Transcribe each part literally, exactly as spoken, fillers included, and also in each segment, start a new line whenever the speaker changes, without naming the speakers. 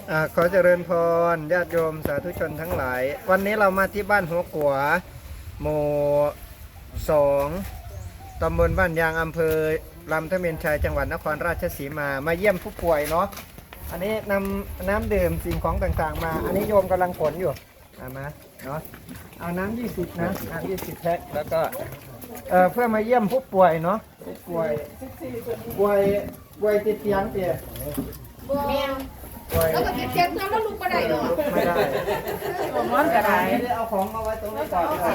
อ่าขอเจริญพรญาติโยมสาธุชนทั้งหลาย วันนี้เรามาที่บ้านหัวกัวหมู่สองตำบลบ้านยางอำเภอลำทะเมนชัยจังหวัดนครราชสีมามาเยี่ยมผู้ป่วยเนาะอันนี้นำน้ำดื่มสิ่งของต่างๆ มาอันนี้โยมกำลังขนอยู่เอามาเนาะเอาน้ำยี่สิบนะน้ำยี่สิบแพ็คแล้วก็เอ่อเพื่อมาเยี่ยมผู้ป่วยเนาะผู้ป่วยป่วยป่วยติดเตียงเตีย
แมวแล้วก็เจ็บๆแล้วลูกก็ได้หรอ
ไม่ได้
มันก็ได้
เอาของมาไว้ตรงนี้ก่อนเอา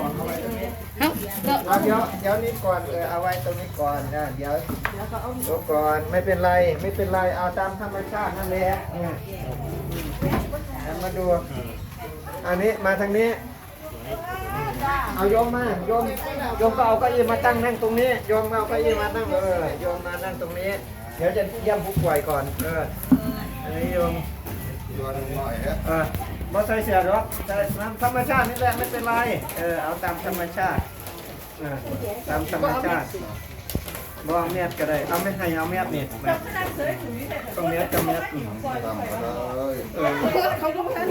เดี๋ยวเดี๋ยวนี้ก่อนเออเอาไว้ตรงนี้ก่อนนะเดี๋ยวเดี๋ยวก่อนไม่เป็นไรไม่เป็นไรเอาตามธรรมชาตินั่นแหละเนี่ยมาดูอันนี้มาทางนี้เอาโยมมาโยมโยมก็เอาเก้าอี้มาตั้งนั่งตรงนี้โยมเอาเก้าอี้มาตั้งเออโยมมานั่งตรงนี้เดี๋ยวจะเยี่ยมผู้ป่วยก่อนเอออันนี้โยมเออบ่ใส่เสียหรอกแต่ธรรมชาตินี่แหละไม่เป็นไรเออเอาตามธรรมชาติเออตามธรรมชาติบ่เอาเม็ดก็ได้เอาไม่ให้เอาเม็ดนี่ตรงเม็ดกับเม็ดอืมเออ
เขาก็ไม่ทันเลย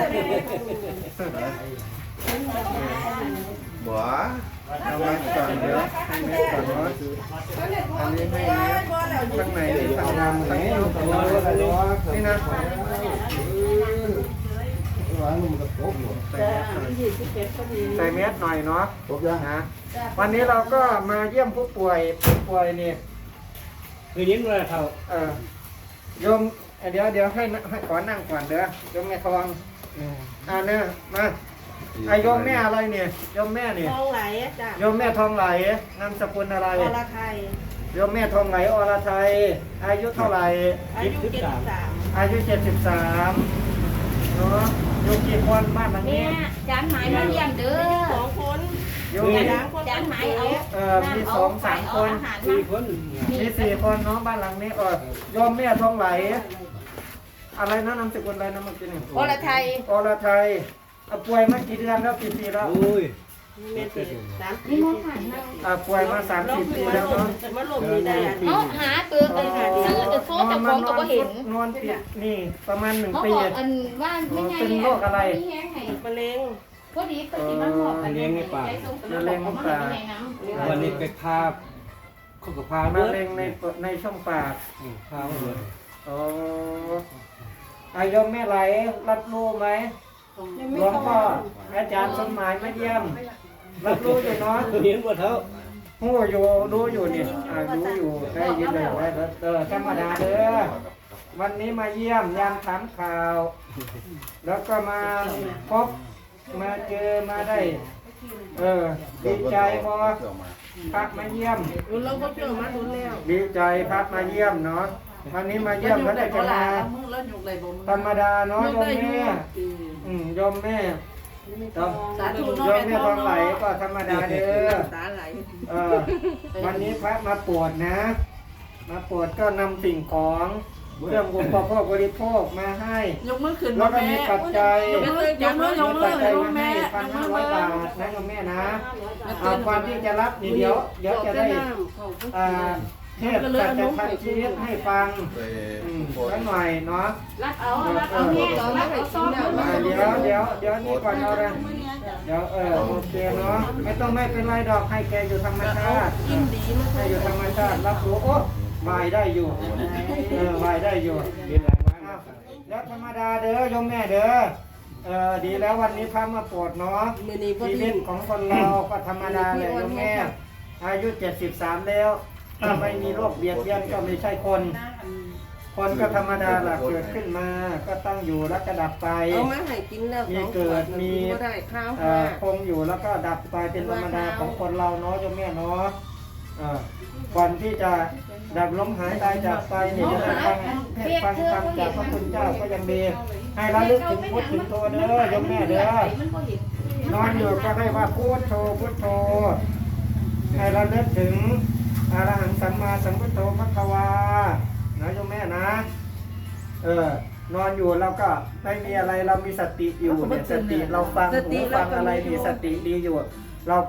บัวเอาไว้ก่อนเดี๋ยวให้เม็ดก่อนเนาะอันนี้ให้เม็ดข้างในที่ทำงานไหนนี่นะใส่เม็ดหน่อยเนาะนะวันนี้เราก็มาเยี่ยมผู้ป่วยผู้ป่วยนี่
คือยิ้มเลยเขา
เออโยมเดี๋ยวเดี๋ยวให้ให้ขอนั่งก่อนเด้อโยมแม่ทองอ่าเนี่ยมาไอโยมแม่อะไรเนี่ยโยมแม่เนี่ย
ทองไหลจ้ะ
โยมแม่ทองไหลนามสกุลอะไร
อรไทย
โยมแม่ทองไหลอรไทยอายุเท่าไหร่
อายุเจ็ดสิบสาม
อายุเจ็ดสิบสามเนาะโยมกี่คนบ้านหลัง
แม่
นี้
จานหมายมาเลี้ยงเด้อ
สองคน
โยม
สามคน
จานหมายเอา
เอ่อมีสองสามคน
สี่คน
มีสี่คนเนาะบ้านหลังนี้เออโยมแม่ทองไหลอะไรนะนามสกุลอะไรนะเมื่อกี้นี่
อรไทย
อรไทยเอาป่วยมากี่เดือนแล้วกี่ปีแล้ว
โอ้ย
เมตรสาม
นี่มองผ่านมา
อ่าป่วยมาสามสี่ปีแล้วเนาะ
มาลมนี่ได้
เขาหาเตือนเลยค่ะซื้อจะโซ่จะฟ้องก็บ่เห็น
นอนติดนี่ประมาณหนึ่ง
เขา
ปี
บอกอันว่าไม่ไง
เป็นโรคอะไร
มะเร็ง
พอดีก็สิมาบอกกัน
วันนี้ไปพาเขาก็พาม
ะ
เมื่อ
เร็งในในช่องปาก
พาเมื่อ
อ๋ออายมแม่ไหลรับรู้ไหมหลวงพ่ออาจารย์สมหมายมาเยี่ยมรับรู้อยู่เนาะ
เห็นว่าเท่า
หู้อยู่รู้อยู่นี่อ่ารู้อยู่ได้ยินเลยได้เออธรรมดาเด้อวันนี้มาเยี่ยมยามถามข่าว แล้วก็มาพบมาเจอมาได้ เออดีใจพอพักมาเยี่ยม
เราก็เจอมาดูแล้ว
ดีใจพักมาเยี่ยมเนาะวันนี้มาเยี่ยมแล้วได้จะมาธรรมดาเนาะโยมแม่อืมโยมแม่ต้อง
สาธุ
โยมแม่ทองไหลก็ธรรมดาเด้อ
ตาไหล
เออวันนี้พระมาปวดนะ มาปวดก็นำสิ่งของเครื่องอุปโภคบริโภคมาให้
ยกมือขึ้น
แล้วก็
แม่
มีปัจจัย
ยกมือยกมือยกมื
ปั
อ
จจัย
ยก
มา
แม่
ให้พันห้าร้อยบาทนะโยมแม่นะเอาความที่จะรับนี่เดี๋ยวเดี๋ยวจะได้อ่าเทศน์สัจธรรมชีวิตให้ฟังอืมสักหน่อยเนาะ
รับเอารับเอาแม่รับเอาซ่อม
อ่าเดี๋ยวเดี๋ยวเดี๋ยวนี่ก่อนเอาเลยเดี๋ยวเออโอเคเนาะไม่ต้องไม่เป็นไรดอกให้แกอยู่ธรรมชาติ
กินดีมาก
ให้อยู่ธรรมชาติรับรู้โอ้วายได้อยู่เออวายได้อยู่
เห็นหลายวัน
อ้าวแล้วธรรมดาเด้อโยมแม่เด้อเออดีแล้ววันนี้พระมาโปรดเนาะ
มือนี้พอ
ชี
ดี
วิตของคนเราก็ธรรมดาเลยโยมแม่อายุเจ็ดสิบสามแล้วถ้าไม่มีโรคเบียดเบียนก็ไม่ใช่คน คนก็ธรรมดาหลักเกิดขึ้นมาก็ต้องอยู่แล้วก็ดับไป
เอามาให้กินแล้วสองขวดก็ได้ข้าว
เอ่
ห้า
อคงอยู่แล้วก็ดับไปเป็นธรรมดาของคนเราเนาะโยมแม่เนาะเอ่อก่อนที่จะดับลมหายตายจากไปเนี่ยจะได้ฟังเทศน์ฟังธรรมจากพระคุณเจ้าก็ยังดีให้ระลึกถึงพุทธถึงโทเด้อโยมแม่เด้อนอนอยู่ก็ให้ว่าพุทโธพุทโธให้ระลึกถึงอรหังสัมมาสัมพุทโธพระควานะโยมแม่นะเออนอนอยู่เราก็ไม่มีอะไรเรามีสติอยู่เนี่ยสติเราฟังหูฟังอะไรมีสติดีอยู่